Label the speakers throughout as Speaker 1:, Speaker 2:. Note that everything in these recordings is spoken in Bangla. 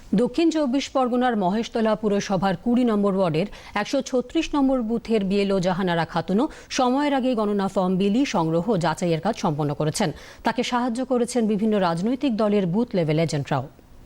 Speaker 1: দক্ষিণ ২৪ পরগনার মহেশতলা পুরসভার ২০ নম্বর ওয়ার্ডের ১৩৬ নম্বর বুথের বিএলও জাহানারা খাতুনও সময়ের আগে গণনা ফর্ম বিলি সংগ্রহ ও যাচাইয়ের কাজ সম্পন্ন করেছেন। তাকে সাহায্য করেছেন বিভিন্ন রাজনৈতিক দলের বুথ লেভেল এজেন্টরাও।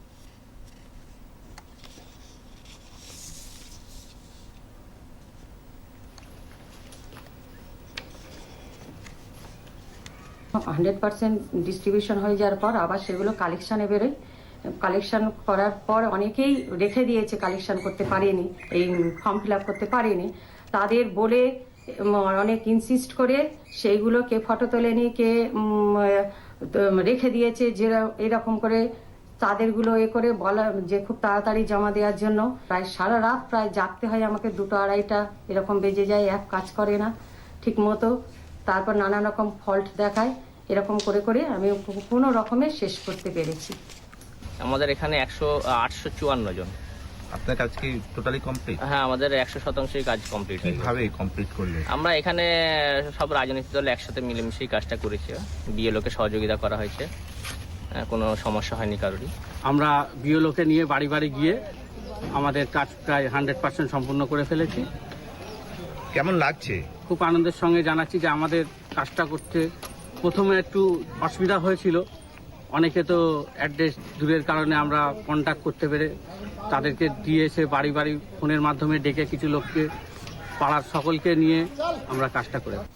Speaker 2: ডিস্ট্রিবিউশন হয়ে যাওয়ার পর আবার সেগুলো কালেকশনে বেরোয়। কালেকশন করার পর অনেকেই রেখে দিয়েছে, কালেকশন করতে পারেনি, এই ফর্ম ফিল আপ করতে পারেনি। তাদের বলে অনেক ইনসিস্ট করে সেইগুলো কে ফটো তোলেনি, কে রেখে দিয়েছে, যে এরকম করে তাদেরগুলো করে বলা যে খুব তাড়াতাড়ি জমা দেওয়ার জন্য। প্রায় সারা রাত প্রায় জাগতে হয় আমাকে, 2টা 2:30টা এরকম বেজে যায়, অ্যাপ কাজ করে না ঠিক মতো। তারপর নানা রকম ফল্ট দেখায়, এরকম করে করে আমি কোনো রকমে শেষ করতে পেরেছি।
Speaker 3: আমাদের এখানে 854 জন।
Speaker 4: আপনার কাজ কি টোটালি কমপ্লিট?
Speaker 3: হ্যাঁ, আমাদের 100%ই কাজ কমপ্লিট হয়েছে।
Speaker 4: কিভাবে কমপ্লিট করলে?
Speaker 3: আমরা এখানে সব রাজনৈতিক দল একসাথে মিলেমিশেই কাজটা করেছি। বিএলওকে সহযোগিতা করা হয়েছে, কোনো সমস্যা হয়নি কারোরই।
Speaker 5: আমরা বিএলওকে নিয়ে বাড়ি বাড়ি গিয়ে আমাদের কাজ প্রায় 100% সম্পূর্ণ করে ফেলেছি।
Speaker 4: কেমন লাগছে?
Speaker 5: খুব আনন্দের সঙ্গে জানাচ্ছি যে আমাদের কাজটা করতে প্রথমে একটু অসুবিধা হয়েছিল। অনেকে তো অ্যাড্রেস দূরের কারণে আমরা কন্ট্যাক্ট করতে পেরে তাদেরকে দিয়ে এসে বাড়ি বাড়ি ফোনের মাধ্যমে ডেকে কিছু লোককে, পাড়ার সকলকে নিয়ে আমরা কাজটা করে